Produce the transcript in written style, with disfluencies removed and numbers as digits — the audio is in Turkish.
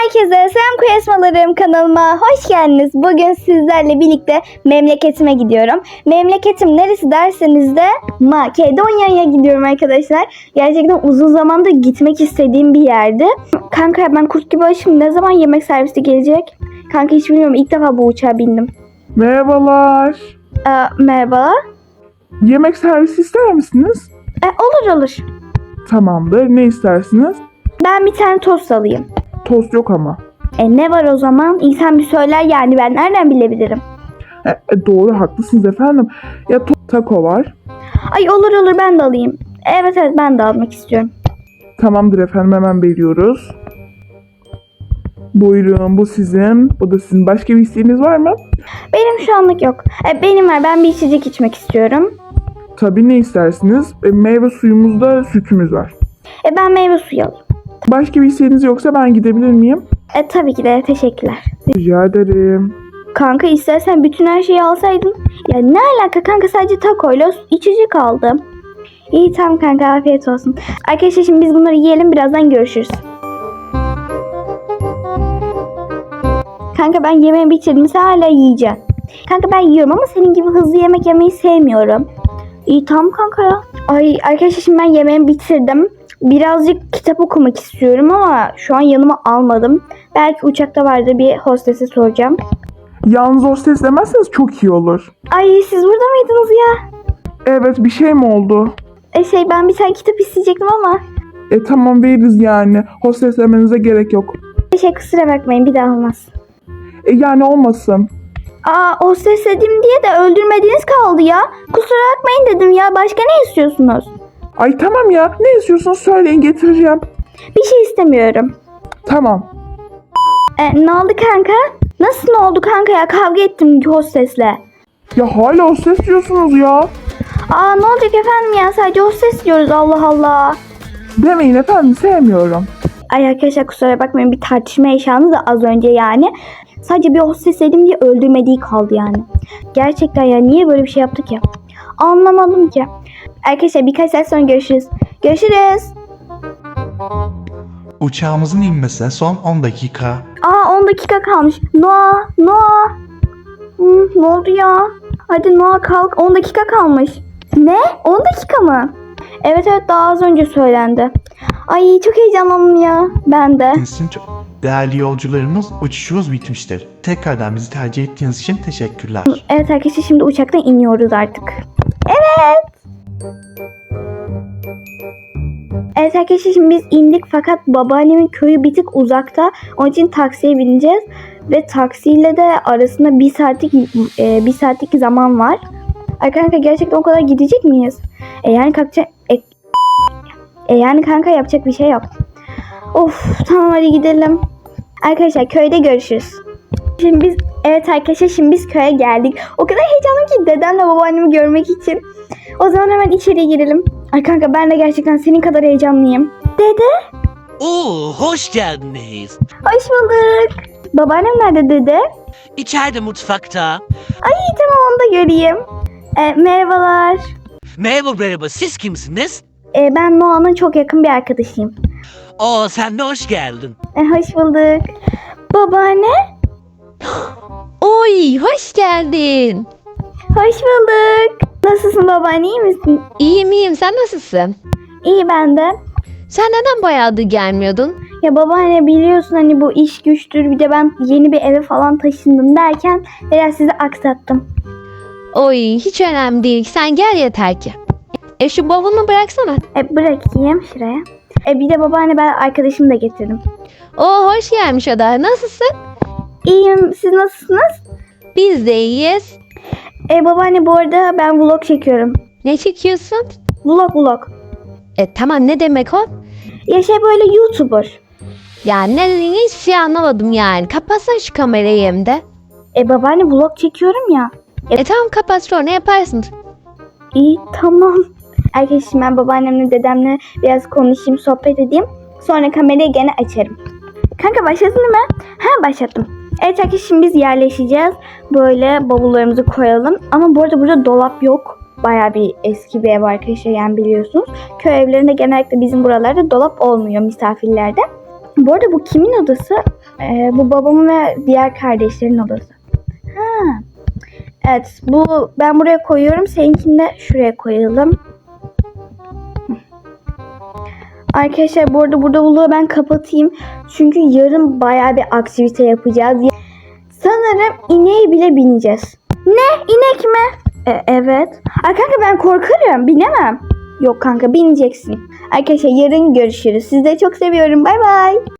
Herkese selam kuyasmalarım, kanalıma hoş geldiniz. Bugün sizlerle birlikte memleketime gidiyorum. Memleketim neresi derseniz de Makedonya'ya gidiyorum arkadaşlar. Gerçekten uzun zamandır gitmek istediğim bir yerdi. Kanka ben kurt gibi açım. Ne zaman yemek servisi gelecek? Kanka hiç bilmiyorum. İlk defa bu uçağa bindim. Merhabalar. Merhaba. Yemek servisi ister misiniz? Olur. Tamamdır. Ne istersiniz? Ben bir tane tost alayım. Tost yok ama. Ne var o zaman? İnsan bir söyler yani, ben nereden bilebilirim? Doğru, haklısınız efendim. Ya taco var. Ay olur ben de alayım. Evet ben de almak istiyorum. Tamamdır efendim, hemen veriyoruz. Buyurun, bu sizin. Bu da sizin. Başka bir isteğiniz var mı? Benim şu anlık yok. Benim var, ben bir içecek içmek istiyorum. Tabii, ne istersiniz? Meyve suyumuzda sütümüz var. Ben meyve suyu alayım. Başka bir isteğiniz yoksa ben gidebilir miyim? Tabii ki de, teşekkürler. Rica ederim. Kanka istersen bütün her şeyi alsaydın. Ya ne alaka kanka, sadece takoyla içecek aldım. İyi tamam kanka, afiyet olsun. Arkadaşlar şimdi biz bunları yiyelim, birazdan görüşürüz. Kanka ben yemeğimi bitirdim, sen hala yiyeceksin. Kanka ben yiyorum ama senin gibi hızlı yemek yemeyi sevmiyorum. İyi tamam kanka ya. Ay arkadaşlar şimdi ben yemeğimi bitirdim. Birazcık kitap okumak istiyorum ama şu an yanıma almadım. Belki uçakta vardır, bir hostese soracağım. Yalnız o ses demezseniz çok iyi olur. Ay siz burada mıydınız ya? Evet, bir şey mi oldu? Ben bir tane kitap isteyecektim ama. Tamam, veririz yani. Hostes demenize gerek yok. Kusura bakmayın, bir daha olmaz. Yani olmasın. Hostes dedim diye de öldürmediğiniz kaldı ya. Kusura bakmayın dedim ya, başka ne istiyorsunuz? Ay tamam ya, ne istiyorsunuz söyleyin, getireceğim. Bir şey istemiyorum. Tamam. Ne oldu kanka? Nasıl ne oldu kanka ya, kavga ettim hostesle. Ya hala hostes diyorsunuz ya. Ne olacak efendim ya, sadece hostes diyoruz, Allah Allah. Demeyin efendim, sevmiyorum. Ay arkadaşlar kusura bakmayın, bir tartışma yaşandı da az önce yani. Sadece bir hostes dedim diye öldürmediği kaldı yani. Gerçekten ya, niye böyle bir şey yaptık ya? Anlamadım ki. Arkadaşlar birkaç saat sonra görüşürüz. Görüşürüz. Uçağımızın inmesine son 10 dakika. 10 dakika kalmış. Noah. Ne oldu ya? Hadi Noah kalk, 10 dakika kalmış. Ne? 10 dakika mı? Evet daha az önce söylendi. Ay çok heyecanlandım ya. Ben de. Sizin çok değerli yolcularımız, uçuşumuz bitmiştir. Tekrardan bizi tercih ettiğiniz için teşekkürler. Evet arkadaşlar şimdi uçaktan iniyoruz artık. Evet. Evet arkadaşlar şimdi biz indik fakat babaannemin köyü bir tık uzakta. Onun için taksiye bineceğiz. Ve taksiyle de arasında bir saatlik zaman var. Kanka gerçekten o kadar gidecek miyiz? Yani kanka yapacak bir şey yok. Of tamam hadi gidelim. Arkadaşlar köyde görüşürüz. Evet arkadaşlar şimdi biz köye geldik. O kadar heyecanlıyım ki dedemle babaannemi görmek için. O zaman hemen içeriye girelim. Ay kanka ben de gerçekten senin kadar heyecanlıyım. Dede. Hoş geldiniz. Hoş bulduk. Babaannem nerede dede? İçeride mutfakta. Ay tamam onu da göreyim. Merhabalar. Merhaba, siz kimsiniz? Ben Noah'nın çok yakın bir arkadaşıyım. Sen de hoş geldin. Hoş bulduk. Babaanne. Oy, hoş geldin. Hoş bulduk. Nasılsın babaanne, iyi misin? İyiyim, sen nasılsın? İyi ben de. Sen neden bayağıdır gelmiyordun? Ya babaanne biliyorsun hani bu iş güçtür, bir de ben yeni bir eve falan taşındım derken biraz sizi aksattım. Oy, hiç önemli değil, sen gel yeter ki. Şu bavulunu bıraksana. Bırakayım şuraya. Bir de babaanne ben arkadaşımı da getirdim. Hoş gelmiş o da. Nasılsın? İyiyim, siz nasılsınız? Biz de iyiyiz. Babaanne bu arada ben vlog çekiyorum. Ne çekiyorsun? Vlog. Tamam, ne demek o? Ya böyle YouTuber. Ya ne dediğini hiçbir şey anlamadım yani. Kapatsana şu kamerayı hem de. Babaanne vlog çekiyorum ya. Tamam, kapat, sonra yaparsın. İyi tamam. Arkadaşım ben babaannemle dedemle biraz konuşayım, sohbet edeyim. Sonra kamerayı gene açarım. Kanka başladın değil mi? Başlattım. Evet arkadaşım biz yerleşeceğiz. Böyle bavullarımızı koyalım. Ama bu arada burada dolap yok. Bayağı bir eski bir ev arkadaşlar, yani biliyorsunuz. Köy evlerinde genellikle bizim buralarda dolap olmuyor misafirlerde. Bu arada bu kimin odası? Bu babamın ve diğer kardeşlerin odası. Ha. Evet, ben buraya koyuyorum. Seninkini de şuraya koyalım. Arkadaşlar bu arada burada vlogu ben kapatayım. Çünkü yarın bayağı bir aktivite yapacağız. Sanırım ineğe bile bineceğiz. Ne? İnek mi? Evet. Kanka ben korkarım. Binemem. Yok kanka bineceksin. Arkadaşlar yarın görüşürüz. Sizleri çok seviyorum. Bay bay.